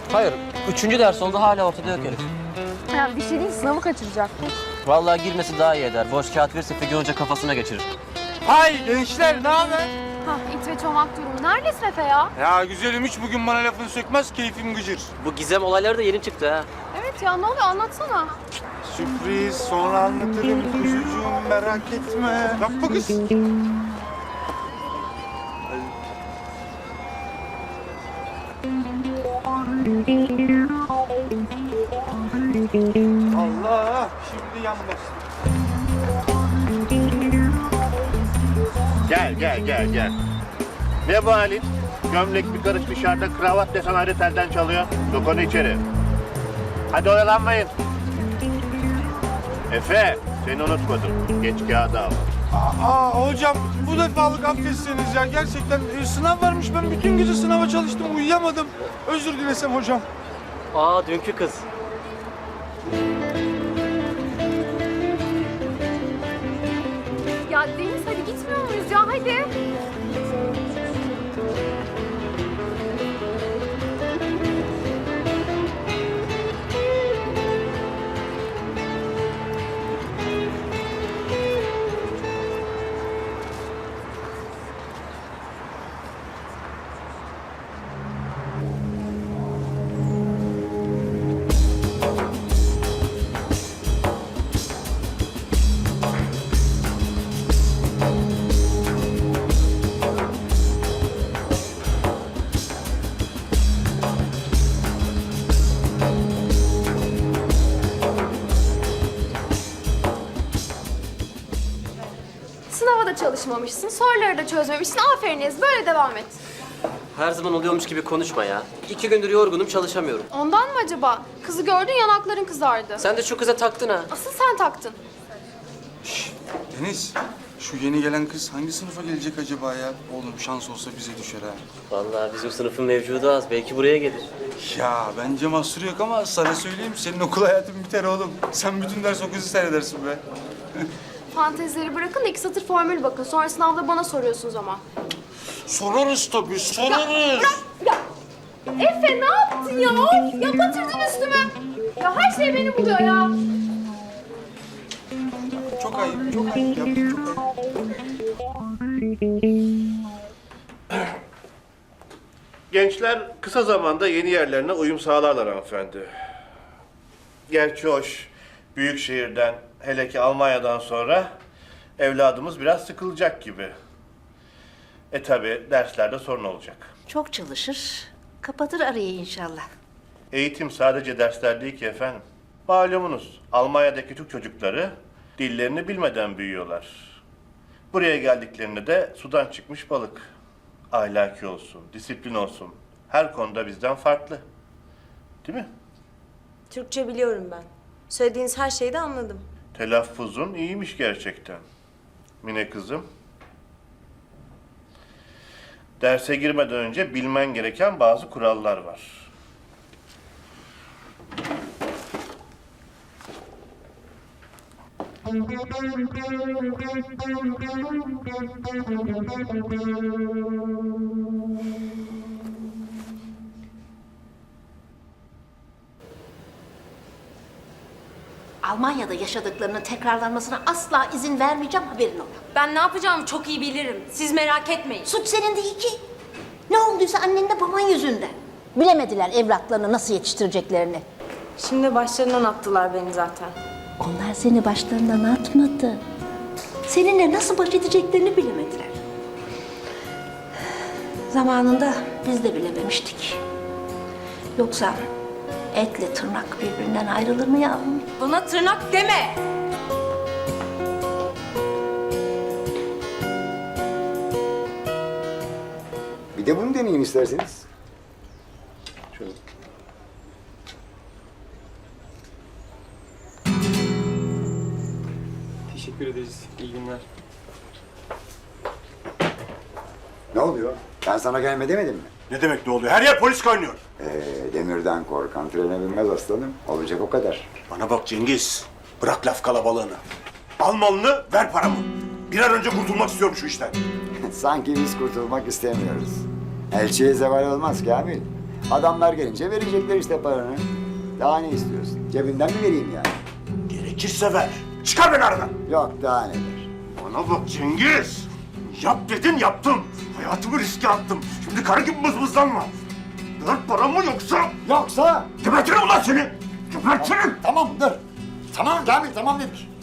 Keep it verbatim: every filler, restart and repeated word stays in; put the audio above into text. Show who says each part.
Speaker 1: Hayır, üçüncü ders oldu hala ortada yok herif.
Speaker 2: Ya bir şey değil, sınavı kaçıracak.
Speaker 1: Vallahi girmesi daha iyi eder. Boş kağıt verirse Figen Hoca kafasına geçirir.
Speaker 3: Hay gençler, ne haber?
Speaker 2: Hah, it ve çomak durumu. Neredesin Efe ya?
Speaker 3: Ya güzelim, hiç bugün bana lafını sökmez, keyfim gıcır.
Speaker 1: Bu gizem olayları da yeni çıktı ha.
Speaker 2: Evet ya, ne oluyor anlatsana.
Speaker 3: Sürpriz, sonra anlatırım kuzucuğum, merak etme. Yapma kız. Allah, şimdi yan bastı.
Speaker 4: Gel gel gel gel. Ne bu halin? Gömlek bir karış dışarıda, kravat desen ayrı telden çalıyor. Sok onu içeri. Hadi oyalanmayın. Efe, seni unutmadım. Geç kağıdı al.
Speaker 3: Aa hocam, bu defalık affetseniz ya. Gerçekten e, sınav varmış, ben bütün gece sınava çalıştım, uyuyamadım. Özür dilesem hocam.
Speaker 1: Aa, dünkü kız.
Speaker 2: Ya Deniz, hadi gitmiyor muyuz ya, hadi. Sınava da çalışmamışsın, soruları da çözmemişsin. Aferiniz, böyle devam et.
Speaker 1: Her zaman oluyormuş gibi konuşma ya. İki gündür yorgunum, çalışamıyorum.
Speaker 2: Ondan mı acaba? Kızı gördün, yanakların kızardı.
Speaker 1: Sen de şu kıza taktın ha.
Speaker 2: Asıl sen taktın.
Speaker 3: Deniz, şu yeni gelen kız hangi sınıfa gelecek acaba ya? Oğlum şans olsa bize düşer ha.
Speaker 1: Vallahi bizim sınıfın mevcudu az. Belki buraya gelir.
Speaker 3: Ya bence mahsuru yok ama sana söyleyeyim, senin okul hayatın biter oğlum. Sen bütün ders o kızı seyredersin be.
Speaker 2: Fantezileri bırakın da iki satır formül bakın. Sonra sınavda bana soruyorsunuz ama.
Speaker 3: Sorarız tabii, sorarız.
Speaker 2: Ya Efe ne yaptın ya? Ya batırdın üstüme. Ya her şey beni buluyor ya.
Speaker 3: Çok ayıp, çok ayıp yaptın, çok ayıp.
Speaker 4: Gençler kısa zamanda yeni yerlerine uyum sağlarlar hanımefendi. Gerçi hoş, büyük şehirden, hele ki Almanya'dan sonra evladımız biraz sıkılacak gibi. E tabi derslerde sorun olacak.
Speaker 5: Çok çalışır, kapatır arayı inşallah.
Speaker 4: Eğitim sadece dersler değil ki efendim. Malumunuz Almanya'daki Türk çocukları dillerini bilmeden büyüyorlar. Buraya geldiklerinde de sudan çıkmış balık. Ahlaki olsun, disiplin olsun. Her konuda bizden farklı. Değil mi?
Speaker 6: Türkçe biliyorum ben. Söylediğiniz her şeyi de anladım.
Speaker 4: Telaffuzun iyiymiş gerçekten. Mine kızım. Derse girmeden önce bilmen gereken bazı kurallar var.
Speaker 5: Almanya'da yaşadıklarının tekrarlanmasına asla izin vermeyeceğim, haberin ola.
Speaker 6: Ben ne yapacağımı çok iyi bilirim. Siz merak etmeyin.
Speaker 5: Suç senin değil ki. Ne olduysa annenle baban yüzünden. Bilemediler evlatlarını nasıl yetiştireceklerini.
Speaker 6: Şimdi başlarından attılar beni zaten.
Speaker 5: Onlar seni başlarından atmadı. Seninle nasıl baş edeceklerini bilemediler. Zamanında biz de bilememiştik. Yoksa etle tırnak birbirinden ayrılır mı yavrum?
Speaker 6: Bana tırnak deme.
Speaker 7: Bir de bunu deneyin isterseniz.
Speaker 4: Şöyle.
Speaker 8: Teşekkür ederiz. İyi günler.
Speaker 7: Ne oluyor? Ben sana gelme demedim mi?
Speaker 4: Ne demek ne oluyor? Her yer polis kaynıyor.
Speaker 7: Ee, demirden korkan trene binmez aslanım. Olacak o kadar.
Speaker 4: Bana bak Cengiz. Bırak laf kalabalığını. Al malını, ver paramı. Bir an önce kurtulmak istiyorum şu işten.
Speaker 7: Sanki biz kurtulmak istemiyoruz. Elçiye zeval olmaz Kamil. Adamlar gelince verecekler işte paranı. Daha ne istiyorsun? Cebinden mi vereyim yani?
Speaker 4: Gerekirse ver. Çıkar beni aradan.
Speaker 7: Yok daha neler.
Speaker 4: Bana bak Cengiz. Yap dedin yaptım. Hayatımı riske attım. Şimdi karı gibi mızmızlanma. Ver paramı yoksa...
Speaker 7: Yoksa?
Speaker 4: Gebertirim ulan seni. Gebertirim.
Speaker 7: Tamam dur. Tamam Kamil tamam dedik.